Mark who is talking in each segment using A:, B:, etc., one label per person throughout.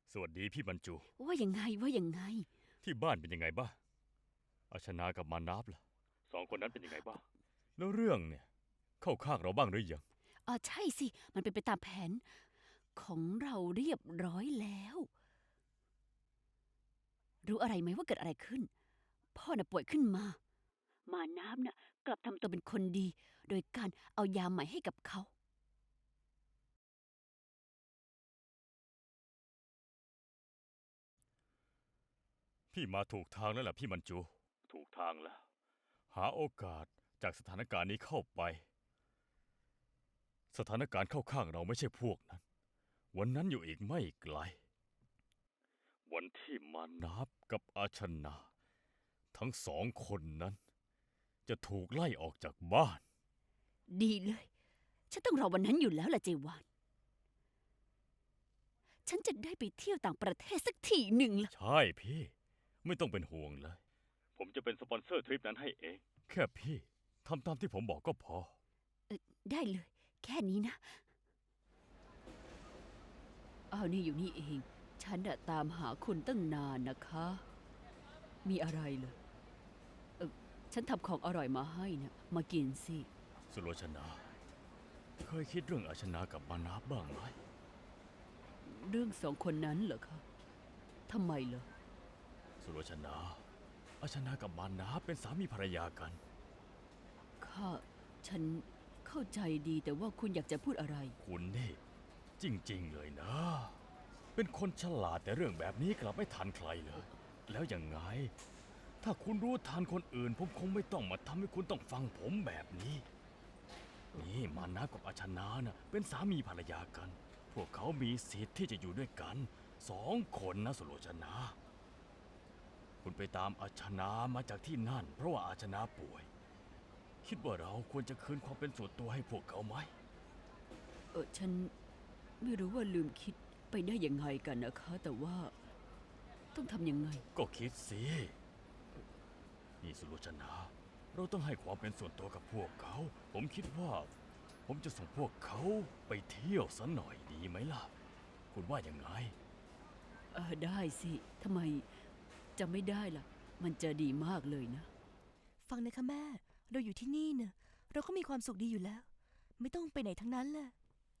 A: สวัสดีพี่บรรจู
B: ว่ายังไงว่ายังไง
A: ที่บ้านเป็นยังไงบ้างอาชนากับมานับล่ะสองคนนั้นเป็นยังไงบ้างแล้วเรื่องเนี่ยเข้าข้างเราบ้างหรือยัง
B: อ๋อใช่สิมันเป็นไปตามแผนของเราเรียบร้อยแล้วรู้อะไรไหมว่าเกิดอะไรขึ้นพ่อน่ะป่วยขึ้นมาน้ำน่ะกลับทำตัวเป็นคนดีโดยการเอายาใหม่ให้กับเขา
A: พี่มาถูกทางแล้วล่ะพี่บรรจูถูกทางแล้วหาโอกาสจากสถานการณ์นี้เข้าไปสถานการณ์เข้าข้างเราไม่ใช่พวกนั้นวันนั้นอยู่อีกไม่ไกลวันที่มานับกับอาชนาทั้งสองคนนั้นจะถูกไล่ออกจากบ้าน
B: ดีเลยฉันต้องรอวันนั้นอยู่แล้วล่ะเจวานฉันจะได้ไปเที่ยวต่างประเทศสักทีหนึ่งล่ะ
A: ใช่พี่ไม่ต้องเป็นห่วงเลย ผมจะเป็นสปอนเซอร์ทริปนั้นให้เอง แค่พี่ทำตามที่ผมบอกก็พอ
B: ได้เลยแค่นี้นะอ้าวนี่อยู่นี่เองฉันน่ะตามหาคุณตั้งนานนะคะมีอะไรเหรอฉันทำของอร่อยมาให้นะมากินสิ
A: สุโลชนาเคยคิดเรื่องอาชนากับมานาบบ้างไหม
B: เรื่องสองคนนั้นเหรอคะทำไมเหรอ
A: สุโลชนาอาชนากับมานาบเป็นสามีภรรยากัน
B: ข้าฉันเข้าใจดีแต่ว่าคุณอยากจะพูดอะไร
A: คุณนี่จริงๆเลยนะ เป็นคนฉลาดแต่เรื่องแบบนี้กลับไม่ทันใครเลย แล้วยังไง ถ้าคุณรู้ทันคนอื่นผมคงไม่ต้องมาทำให้คุณต้องฟังผมแบบนี้ นี่มานะกับอาชนาน่ะเป็นสามีภรรยากัน พวกเขามีสิทธิ์ที่จะอยู่ด้วยกันสองคนนะสุโลชนาคุณไปตามอาชนามาจากที่นั่นเพราะว่าอาชนาป่วย คิดว่าเราควรจะคืนความเป็นส่วนตัวให้พวกเขาไหม
B: ฉันไม่รู้ว่าลืมคิดไปได้ยังไงกันนะคะ แต่ว่าต้องทำยังไง
A: ก็คิดสินี่สุโลชนาเราต้องให้ความเป็นส่วนตัวกับพวกเขา ผมคิดว่าผมจะส่งพวกเขาไปเที่ยวสัหน่อยดีไหมล่ะ คุณว่ายังไง
B: ได้สิทำไมจะไม่ได้ล่ะมันจะดีมากเลยนะ
C: ฟังนะคะแม่เราอยู่ที่นี่เนะเราก็มีความสุขดีอยู่แล้ว ไม่ต้องไปไหนทั้งนั้นแหละ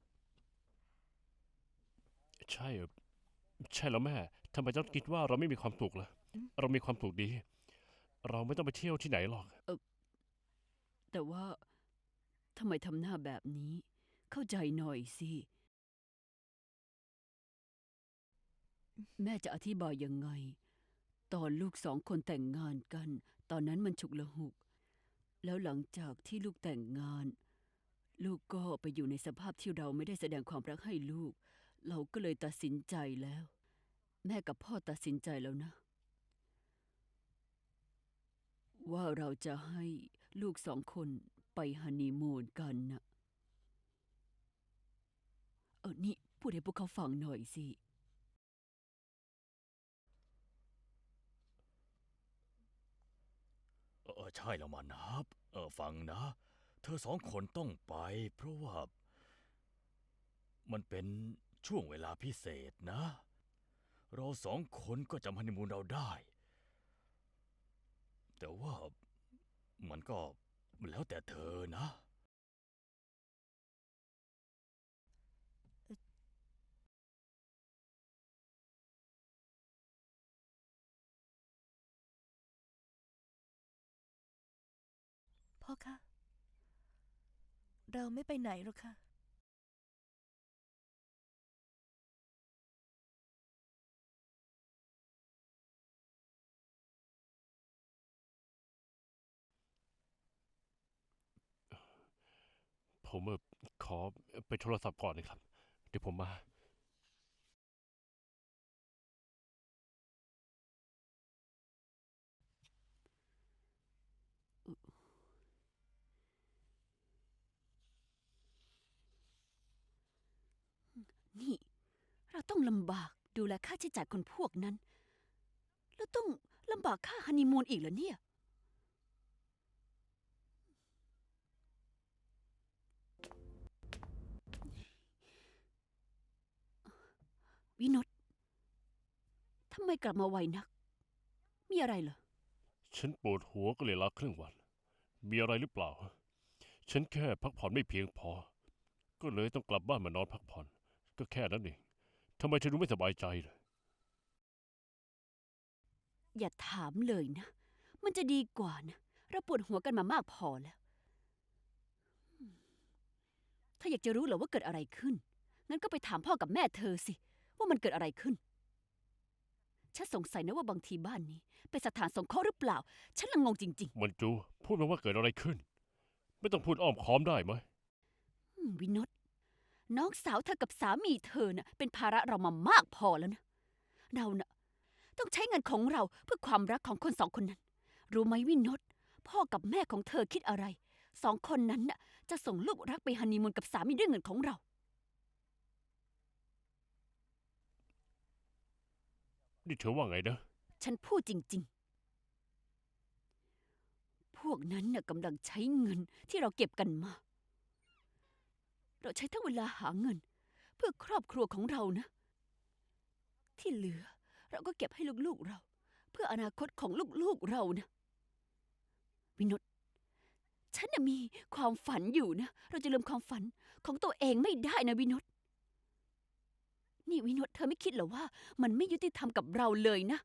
D: ใช่ใช่แล้วแม่ทำไมต้องคิดว่าเราไม่มีความสุขล่ะเรามีความสุขดี เราไม่ต้องไปเที่ยวที่ไหนหรอก
B: แต่ว่าทำไมทำหน้าแบบนี้เข้าใจหน่อยสิแม่จะอธิบายยังไงตอนลูกสองคนแต่งงานกันตอนนั้นมันฉุกละหุกแล้วหลังจากที่ลูกแต่งงานลูกก็ไปอยู่ในสภาพที่เราไม่ได้แสดงความรักให้ลูกเราก็เลยตัดสินใจแล้วแม่กับพ่อตัดสินใจแล้วนะว่าเราจะให้ลูกสองคนไปฮันนีมูนกันนะนี่พูดให้พวกเขาฟังหน่อยสิ
A: ใช่แล้วมานับฟังนะ เธอสองคนต้องไปเพราะว่ามันเป็นช่วงเวลาพิเศษนะ เราสองคนก็จำฮันนีมูนเราได้ แต่ว่ามันก็แล้วแต่เธอนะ
C: พ่อคะเราไม่ไปไหนหรอกค่ะ
D: ผมขอไปโทรศัพท์ก่อนนะครับเดี๋ยวผมมา
B: นี่เราต้องลำบากดูแลค่าใช้จ่ายคนพวกนั้นแล้วต้องลำบากค่าฮันนีมูนอีกเหรอเนี่ยวินดไมกลับมาไวนัก มีอะไรเหรอ
D: ฉันปวดหัวก็เลยลาครึ่งวัน มีอะไรหรือเปล่า ฉันแค่พักผ่อนไม่เพียงพอ ก็เลยต้องกลับบ้านมานอนพักผ่อน ก็แค่นั้นเองทำไมเธอดูไม่สบายใจเลย
B: อย่าถามเลยนะ มันจะดีกว่านะ เราปวดหัวกันมามากพอแล้ว ถ้าอยากจะรู้เหรอว่าเกิดอะไรขึ้น งั้นก็ไปถามพ่อกับแม่เธอสิ ว่ามันเกิดอะไรขึ้น ฉันสงสัยนะว่าบางทีบ้านนี้เป็นสถานสงเคราะห์หรือเปล่า ฉันละงงจริง
D: มันจูพูดมาว่าเกิดอะไรขึ้น ไม่ต้องพูดอ้อมค้อมได้ไหม
B: ๆวินดน้องสาวเธอกับสามีเธอน่ะเป็นภาระเรามามากพอแล้วนะ เราน่ะต้องใช้เงินของเราเพื่อความรักของคนสองคนนั้น รู้ไหมวินดพ่อกับแม่ของเธอคิดอะไร สองคนนั้นน่ะจะส่งลูกรักไปฮันนีมูนกับสามีด้วยเงินของเรา
D: นี่เธอว่าไงนะ
B: ฉันพูดจริงๆ พวกนั้นน่ะกำลังใช้เงินที่เราเก็บกันมา เราใช้ทั้งเวลาหาเงิน เพื่อครอบครัวของเรานะ ที่เหลือเราก็เก็บให้ลูกๆเรา เพื่ออนาคตของลูกๆเรานะ วินดฉันน่ะมีความฝันอยู่นะ เราจะลืมความฝันของตัวเองไม่ได้นะวินดนี่วินดเธอไม่คิดเหรอว่า มันไม่ยุติธรรมกับเราเลยนะ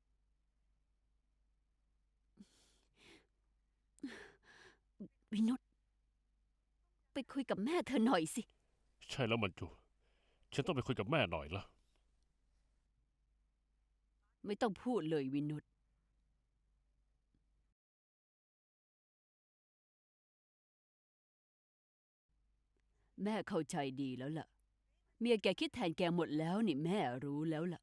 B: วินดไปคุยกับแม่เธอหน่อยสิ
D: ใช่แล้วมันจู ฉันต้องไปคุยกับแม่หน่อยละ
B: ไม่ต้องพูดเลยวินดแม่เข้าใจดีแล้วล่ะ เมียแกคิดแทนแกหมดแล้วนี่แม่รู้แล้วล่ะ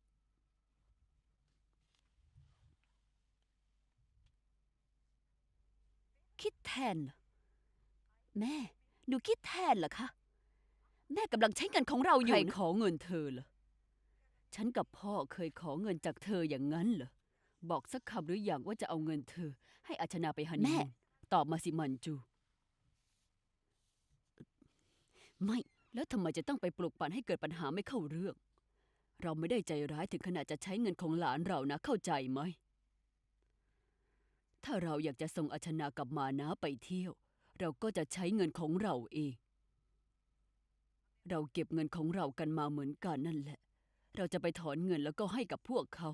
B: คิดแทนเหรอแม่ หนูคิดแทนเหรอคะ แม่กำลังใช้เงินของเราอยู่ใครขอเงินเธอเหรอ ฉันกับพ่อเคยขอเงินจากเธออย่างนั้นเหรอ บอกสักคำหรืออย่างว่าจะเอาเงินเธอ ให้อาชนาไปฮันนีมูนตอบมาสิมันจู ไม่ แล้วทำไมจะต้องไปปลุกปั่นให้เกิดปัญหาไม่เข้าเรื่อง เราไม่ได้ใจร้ายถึงขนาดจะใช้เงินของหลานเรานะเข้าใจไหม ถ้าเราอยากจะส่งอาชนากับมานะไปเที่ยว เราก็จะใช้เงินของเราเอง เราเก็บเงินของเรากันมาเหมือนกันนั่นแหละ เราจะไปถอนเงินแล้วก็ให้กับพวกเขา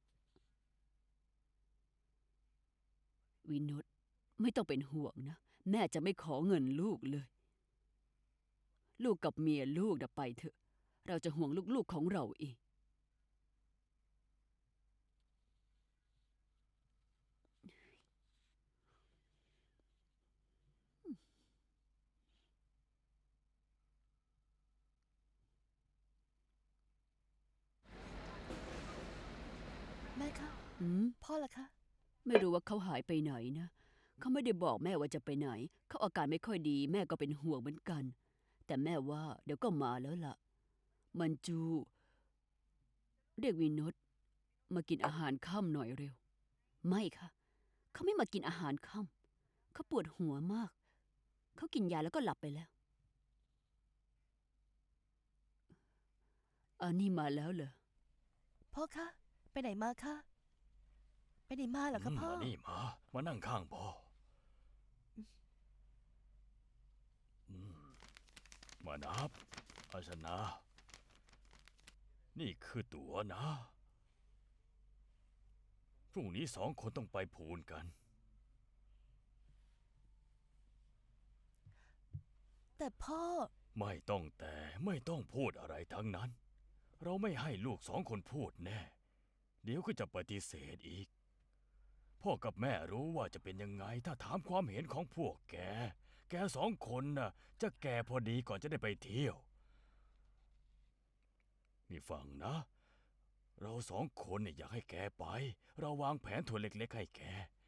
B: วินดไม่ต้องเป็นห่วงนะ แม่จะไม่ขอเงินลูกเลย ลูกกับเมียลูกไปเถอะ เราจะห่วงลูกๆของเราเอง
C: แม่คะ
B: อืม
C: พ่อล่ะคะ
B: ไม่รู้ว่าเขาหายไปไหนนะ เขาไม่ได้บอกแม่ว่าจะไปไหน เขาอาการไม่ค่อยดี แม่ก็เป็นห่วงเหมือนกัน แต่แม่ว่าเดี๋ยวก็มาแล้วล่ะ มันจู เรียกวินดมากินอาหารค่ำหน่อยเร็ว ไม่ค่ะ เขาไม่มากินอาหารค่ำเขาปวดหัวมาก เขากินยาแล้วก็หลับไปแล้ว อันนี้มาแล้วเหรอ
C: พ่อคะ ไปไหนมาคะ ไปไหนมาเหรอคะพ่อ
A: มานี่มานั่งข้างพ่ออืมมานับ อาชนา นี่คือตั๋วนะ พรุ่งนี้สองคนต้องไปพูนกัน
C: แต่พ่อ
A: ไม่ต้องพูดอะไรทั้งนั้น เราไม่ให้ลูกสองคนพูดแน่ เดี๋ยวก็จะปฏิเสธอีก พ่อกับแม่รู้ว่าจะเป็นยังไงถ้าถามความเห็นของพวกแก แกสองคนน่ะจะแก่พอดีก่อนจะได้ไปเที่ยว นี่ฟังนะ เราสองคนเนี่ยอยากให้แกไป เราวางแผนถั่วเล็กๆให้แก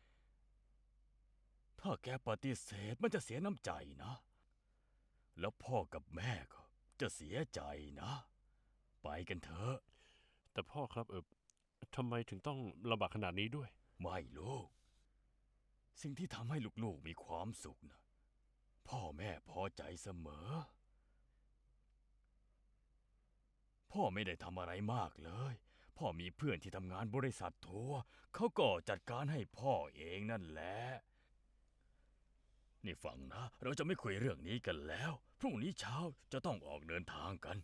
A: ถ้าแกปฏิเสธมันจะเสียน้ำใจนะ แล้วพ่อกับแม่ก็จะเสียใจนะ ไปกันเถอะ
D: แต่พ่อครับทำไมถึงต้องลำบากขนาดนี้ด้วย
A: ไม่ลูก สิ่งที่ทำให้ลูกๆมีความสุขนะพ่อแม่พอใจเสมอ พ่อไม่ได้ทำอะไรมากเลยพ่อมีเพื่อนที่ทำงานบริษัททัวร์เขาก็จัดการให้พ่อเองนั่นแหละ นี่ฟังนะ เราจะไม่คุยเรื่องนี้กันแล้ว พรุ่งนี้เช้าจะต้องออกเดินทางกัน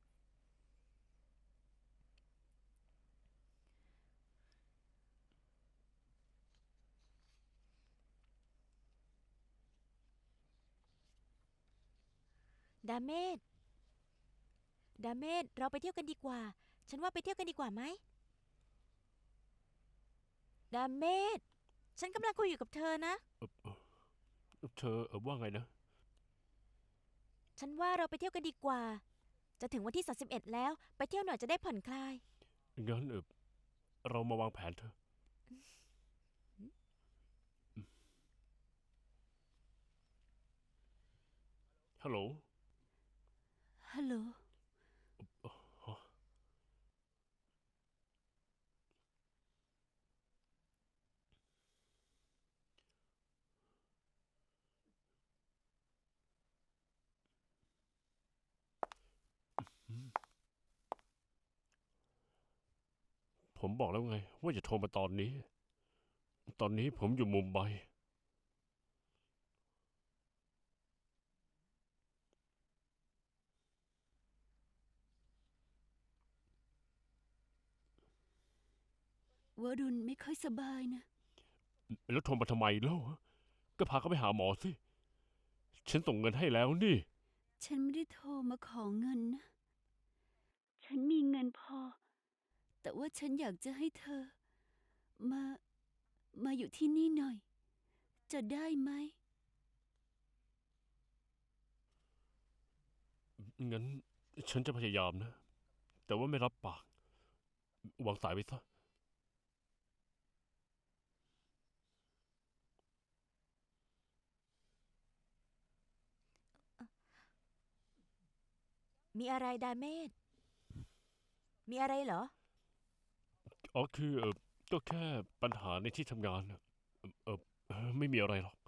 E: ดาเมดเราไปเที่ยวกันดีกว่า ฉันว่าไปเที่ยวกันดีกว่าไหมดาเมดฉันกำลังคุยอยู่กับเธอนะ
D: เธอว่าไงนะ
E: ฉันว่าเราไปเที่ยวกันดีกว่า จะถึงวันที่31แล้ว ไปเที่ยวหน่อยจะได้ผ่อนคลาย
D: งั้นเรามาวางแผนเถอะฮัลโหล
B: ฮัลโหล
D: ผมบอกแล้วไง ว่าจะโทรมาตอนนี้ ตอนนี้ผมอยู่มุมไบ
B: วรุณไม่ค่อยสบายนะ
D: แล้วโทรมาทำไมเล่าก็พาเขาไปหาหมอสิ ฉันส่งเงินให้แล้วนี่
B: ฉันไม่ได้โทรมาขอเงินนะ ฉันมีเงินพอ แต่ว่าฉันอยากจะให้เธอ มา มาอยู่ที่นี่หน่อย จะได้ไหม
D: งั้นฉันจะพยายามนะ แต่ว่าไม่รับปาก วางสายไปซะ
E: มีอะไรดาเมดมีอะไรเหรอ
D: อ๋อคือก็แค่ปัญหาในที่ทำงานน่ะไม่มีอะไรหรอก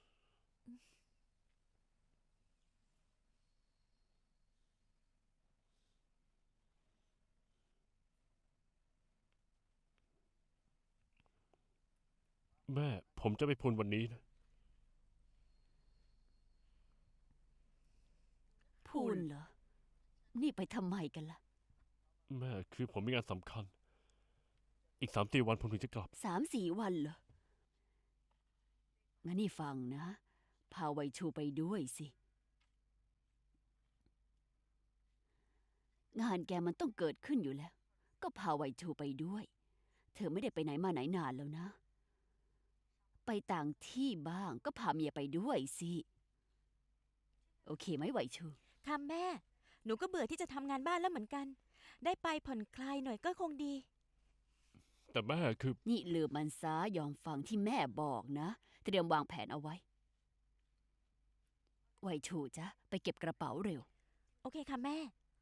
D: แม่ ผมจะไปพูนวันนี้นะ
B: พูนเหรอ นี่ไปทำไมกันล่ะ
D: แม่คือผมมีงานสำคัญ อีก3-4 วันผมถึงจะกลับ
B: 3-4 วันเหรอ งั้นนี่ฟังนะ พาไวชูไปด้วยสิ งานแกมันต้องเกิดขึ้นอยู่แล้ว ก็พาไวชูไปด้วย เธอไม่ได้ไปไหนมาไหนนานแล้วนะ ไปต่างที่บ้างก็พาเมียไปด้วยสิ โอเคไหมไวชู
E: ค่ะแม่ หนูก็เบื่อที่จะทำงานบ้านแล้วเหมือนกัน ได้ไปผ่อนคลายหน่อยก็คงดี
D: แต่แม่คือ
B: นี่ลืมมันซะยอมฟังที่แม่บอกนะ เตรียมวางแผนเอาไว้ ไวชูจ้ะไปเก็บกระเป๋าเร็ว
E: โอเคค่ะแม่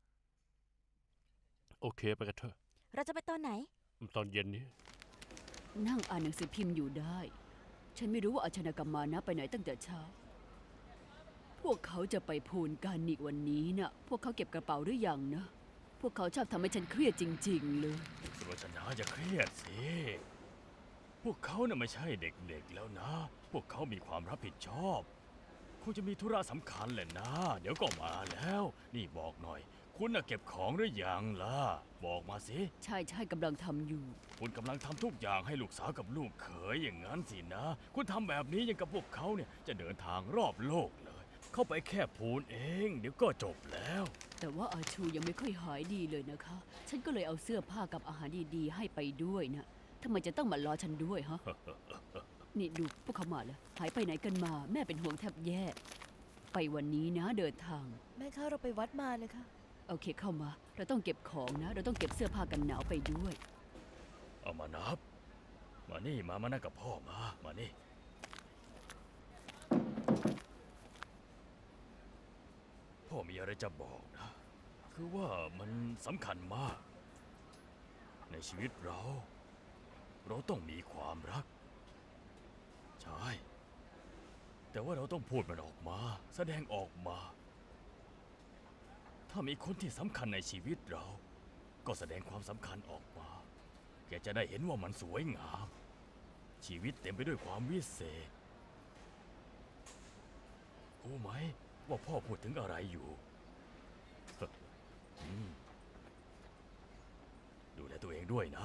D: โอเคไปกันเถอะ
E: เราจะไปตอนไหน
D: ตอนเย็นนี้
B: นั่งอ่านหนังสือพิมพ์อยู่ได้ ฉันไม่รู้ว่าอาชนากรรมานะไปไหนตั้งแต่เช้า พวกเขาจะไปพูนกันอีกวันนี้นะพวกเขาเก็บกระเป๋าหรือยังนะ พวกเขาชอบทำให้ฉันเครียดจริง ๆ เลย
A: สุรชนาอย่าเครียดสิ พวกเขาน่ะไม่ใช่เด็กๆแล้วนะ พวกเขามีความรับผิดชอบ คงจะมีธุระสำคัญแหละนะ เดี๋ยวก็มาแล้ว นี่บอกหน่อย คุณน่ะเก็บของหรือยังล่ะ บอกมาสิ
B: ใช่ใช่กำลังทำอยู่
A: คุณกำลังทำทุกอย่างให้ลูกสาวกับลูกเขยอย่างนั้นสินะ คุณทำแบบนี้ยังกับพวกเขาเนี่ยจะเดินทางรอบโลกเลย เข้าไปแค่พูนเอง เดี๋ยวก็จบแล้ว
B: แต่ว่าอาชูยังไม่ค่อยหายดีเลยนะคะ ฉันก็เลยเอาเสื้อผ้ากับอาหารดีๆ ให้ไปด้วยนะทำไมจะต้องมารอฉันด้วยฮะ นี่ดูพวกเขามาแล้ว หายไปไหนกันมา แม่เป็นห่วงแทบแย่ ไปวันนี้นะเดินทาง
C: แม่คะเราไปวัดมาเลยค่ะ
B: โอเคเข้ามา เราต้องเก็บของนะ เราต้องเก็บเสื้อผ้ากันหนาวไปด้วย
A: เอามานับ มานี่มานั่งกับพ่อมานี่ พ่อมีอะไรจะบอกนะ คือว่ามันสำคัญมาก ในชีวิตเราต้องมีความรัก ใช่ แต่ว่าเราต้องพูดมันออกมา แสดงออกมา ถ้ามีคนที่สำคัญในชีวิตเราก็แสดงความสำคัญออกมาแกจะได้เห็นว่ามันสวยงาม ชีวิตเต็มไปด้วยความวิเศษรู้ไหมว่าพ่อพูดถึงอะไรอยู่ อืมดูแลตัวเองด้วยนะ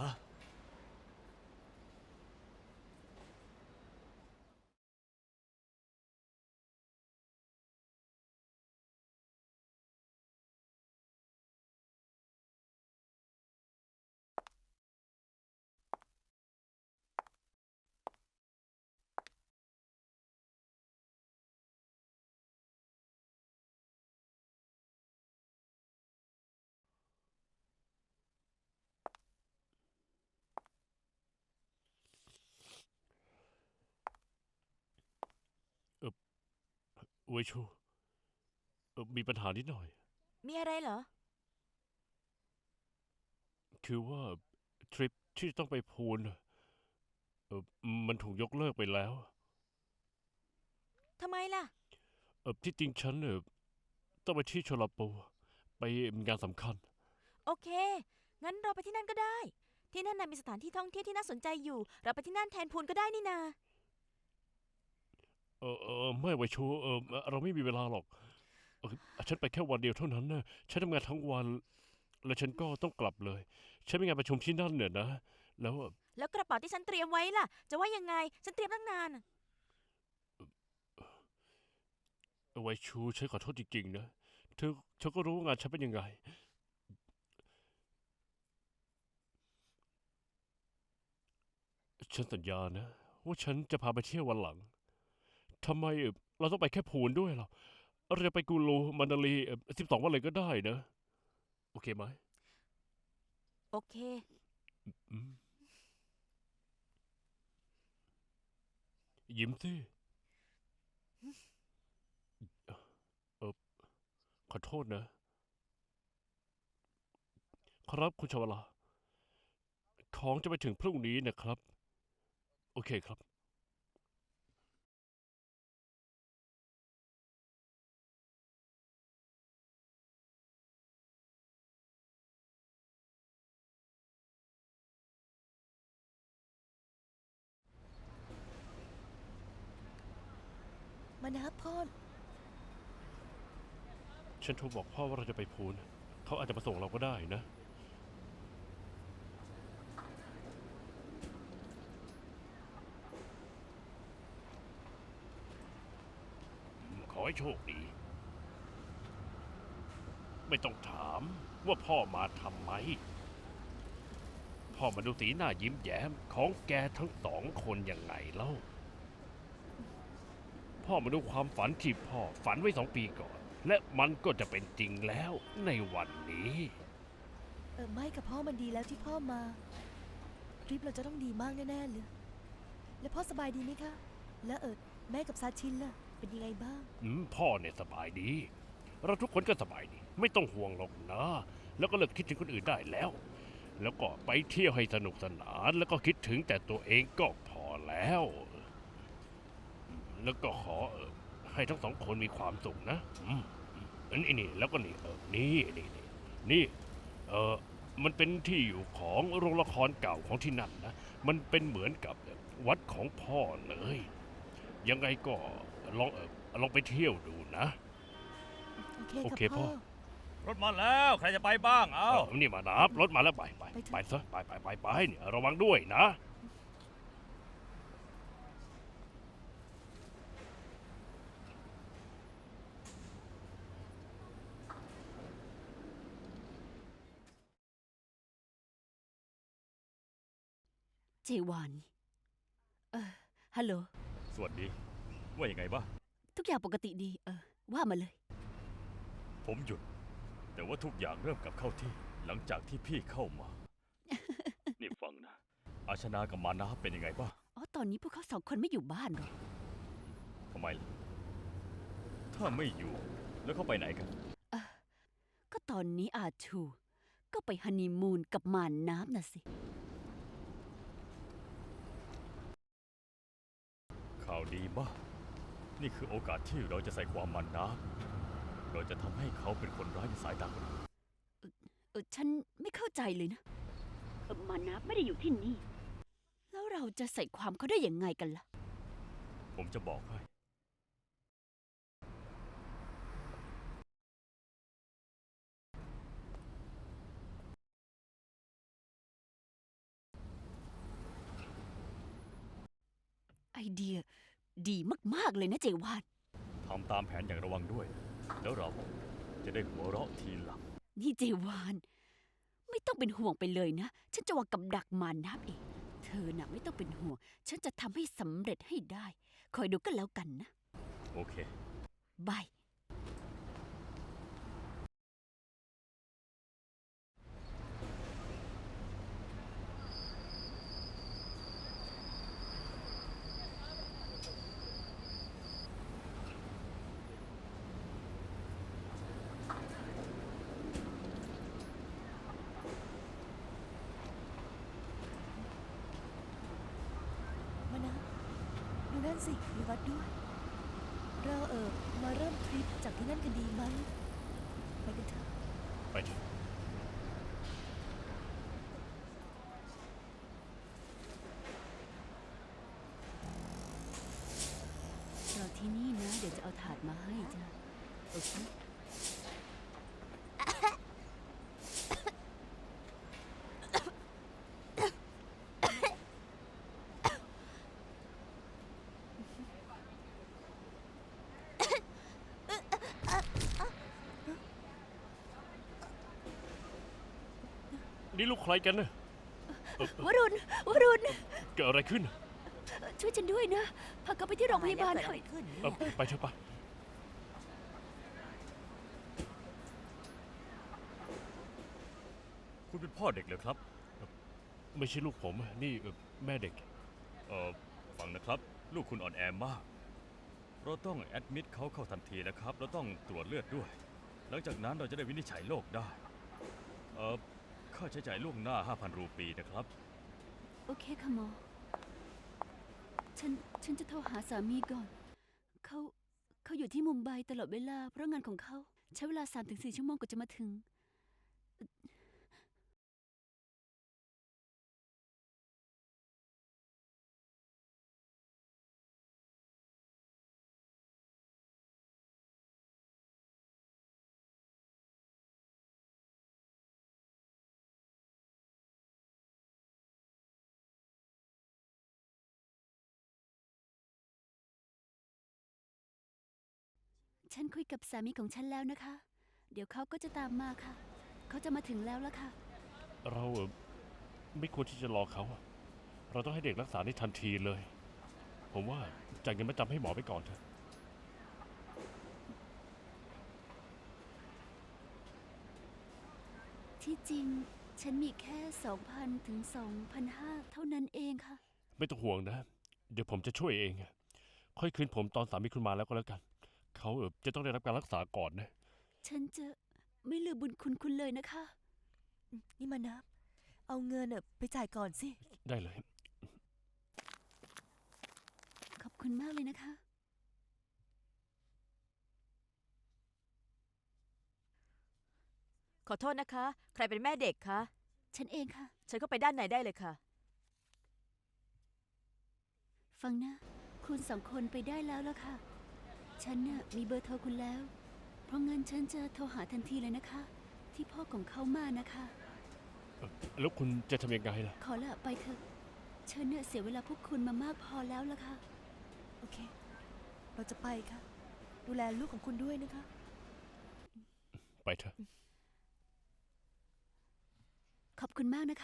D: เวยชูมีปัญหานิดหน่อย
E: มีอะไรเหรอ
D: คือว่าทริปที่ต้องไปพูนน่ะมันถูกยกเลิกไปแล้ว
E: ทำไมล่ะ
D: ที่จริงฉันต้องไปที่โชลาปูไปงานสำคัญ
E: โอเค งั้นเราไปที่นั่นก็ได้ ที่นั่นน่ะมีสถานที่ท่องเที่ยวที่น่าสนใจอยู่ เราไปที่นั่นแทนพูนก็ได้นี่นา
D: ไม่เวยชูเราไม่มีเวลาหรอกฉันไปแค่วันเดียวเท่านั้นนะฉันทำงานทั้งวัน แล้วฉันก็ต้องกลับเลย ฉันมีงานประชุมที่นั่นเนี่ยนะ แล้ว
E: แล้วกระเป๋าที่ฉันเตรียมไว้ล่ะ จะว่ายังไง ฉันเตรียมตั้งนานน่ะ
D: เวยชูฉันขอโทษจริงๆนะเธอก็รู้ว่างานฉันเป็นยังไง ฉันสัญญานะว่าฉันจะพาไปเที่ยววันหลัง ทำไมเราต้องไปแค่พูนด้วยล่ะเราจะไปกูรูมันดาลี12 วันเลยก็ได้นะ โอเคไหม
E: โอเค
D: อืมยิ้มสิเออขอโทษนะ ครับคุณชวลา ของจะไปถึงพรุ่งนี้นะครับ โอเคครับ
C: มานะพ่อ
D: ฉันโทรบอกพ่อว่าเราจะไปพูน เขาอาจจะมาส่งเราก็ได้นะ ขอให้โชคดี ไม่ต้องถามว่าพ่อมาทำไม พ่อมาดูสีหน้ายิ้มแย้มของแกทั้ง2 คนยังไงเล่า พ่อมาดูความฝันที่พ่อฝันไว้2 ปีก่อน และมันก็จะเป็นจริงแล้วในวันนี้
C: ไม่กับพ่อมันดีแล้วที่พ่อมา ทริปเราจะต้องดีมากแน่ๆเลย แล้วพ่อสบายดีไหมคะ แล้วแม่กับซาชินล่ะ เป็นยังไงบ้าง
D: พ่อเนี่ยสบายดี เราทุกคนก็สบายดี ไม่ต้องห่วงหรอกนะ แล้วก็เลิกคิดถึงคนอื่นได้แล้ว แล้วก็ไปเที่ยวให้สนุกสนาน แล้วก็คิดถึงแต่ตัวเองก็พอแล้ว แล้วก็ขอให้ทั้ง2 คนมีความสุขนะนี่แล้วก็นี่มันเป็นที่อยู่ของโรงละครเก่าของที่นั่นนะ มันเป็นเหมือนกับวัดของพ่อเลย ยังไงก็ลองไปเที่ยวดูนะ
C: โอเค
D: โอเคพ่
C: พ่
D: อ
C: อ
A: รถมาแล้วใครจะไปบ้างเอา
D: นี่มานับรถมาแล้วไป
C: ไปเถอะ
D: ไปซะไปเนี่ยระวังด้วยนะ
B: เจวานฮัลโหล
A: สวัสดี ว่ายังไงบ้าง
B: ทุกอย่างปกติดี ว่ามาเลย
A: ผมหยุด แต่ว่าทุกอย่างเริ่มกลับเข้าที่ หลังจากที่พี่เข้ามา นี่ฟังนะ อาชนากับมานาเป็นยังไงบ้าง
B: อ๋อ ตอนนี้พวกเขา2 คนไม่อยู่บ้านหรอก
A: ทำไมล่ะ ถ้าไม่อยู่ แล้วเขาไปไหนกัน
B: ก็ตอนนี้อาชู ก็ไปฮันนีมูนกับมานน้ำน่ะสิ
A: ข่าวดีมาก นี่คือโอกาสที่เราจะใส่ความมันนะ เราจะทำให้เขาเป็นคนร้ายในสายตาคนอื่น
B: ฉันไม่เข้าใจเลยนะมานะไม่ได้อยู่ที่นี่ แล้วเราจะใส่ความเขาได้ยังไงกันล่ะ
A: ผมจะบอกให้
B: ไอเดียดีมาก ๆ เลยนะเจวาน
A: ทำตามแผนอย่างระวังด้วย แล้วเราจะได้หัวเราะทีหลัง
B: นี่เจวาน ไม่ต้องเป็นห่วงไปเลยนะ ฉันจะวางกับดักมานับเอง เธอน่ะไม่ต้องเป็นห่วง ฉันจะทำให้สำเร็จให้ได้ คอยดูกันแล้วกันนะ
A: โอเค
B: บาย
C: มานะดูนั่นสิมีวัดด้วย เรามาเริ่มทริปจากที่นั่นกันดีไหมไปกันเถอะ
D: ไปเถอะ
B: รอที่นี่นะ เดี๋ยวจะเอาถาดมาให้จ้ะโอเค
D: นี่ลูกใครกันนะ
B: วรุณ วรุณ
D: เกิดอะไรขึ้น
B: ช่วยฉันด้วยนะ พาเขาไปที่โรงพยาบาลหน่อย
D: ไปเถอะไป
A: คุณเป็นพ่อเด็กเหรอครับ
D: ไม่ใช่ลูกผมนี่แม่เด็ก
A: ฟังนะครับ ลูกคุณอ่อนแอมาก เราต้องแอดมิดเขาเข้าทันทีนะครับ เราต้องตรวจเลือดด้วย หลังจากนั้นเราจะได้วินิจฉัยโรคได้ ค่าใช้จ่ายล่วงหน้า 5,000 รูปีนะครับ
B: โอเคค่ะหมอ ฉันจะโทรหาสามีก่อน เขาอยู่ที่มุมไบตลอดเวลา เพราะงานของเขา ใช้เวลา 3-4 ชั่วโมงกว่าจะมาถึง ฉันคุยกับสามีของฉันแล้วนะคะ เดี๋ยวเขาก็จะตามมาค่ะ เขาจะมาถึงแล้วละค่ะ
D: เราไม่ควรที่จะรอเขา เราต้องให้เด็กรักษาได้ทันทีเลย ผมว่าจ่ายเงินมาจำให้หมอไปก่อนเถอะ
B: ที่จริงฉันมีแค่ 2,000 ถึง 2,500 เท่านั้นเองค่ะ
D: ไม่ต้องห่วงนะ เดี๋ยวผมจะช่วยเอง ค่อยคืนผมตอนสามีคุณมาแล้วก็แล้วกัน เขาจะต้องได้รับการรักษาก่อนนะ
B: ฉันจะไม่ลืมบุญคุณเลยนะคะ
C: นี่มานะเอาเงินไปจ่ายก่อนสิ
D: ได้เลย
B: ขอบคุณมากเลยนะคะ
E: ขอโทษนะคะ ใครเป็นแม่เด็กคะ
B: ฉันเองค่ะ
E: เชิญเข้าไปด้านในได้เลยค่ะ
B: ฟังนะ คุณสองคนไปได้แล้วล่ะค่ะ ฉันน่ะมีเบอร์โทรคุณแล้ว เพราะงั้นฉันจะโทรหาทันทีเลยนะคะ ที่พ่อของเขามานะคะ
D: แล้วคุณจะทำยังไงล่ะ
B: ขอละไปเถอะ ฉันเนี่ยเสียเวลาพวกคุณมามากพอแล้วล่ะค่ะ
C: โอเค เราจะไปค่ะ ดูแลลูกของคุณด้วยนะคะ
D: ไปเถอะ
B: ขอบคุณมากนะคะ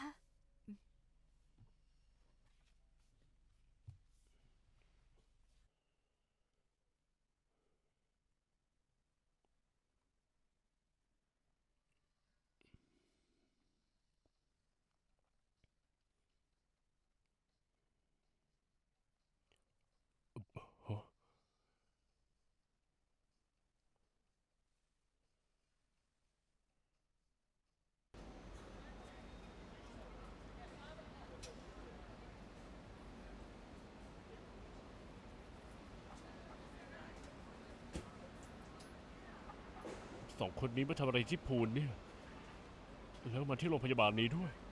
D: สองคนนี้มาทำอะไรที่พูลเนี่ยแล้วมาที่โรงพยาบาลนี้ด้วย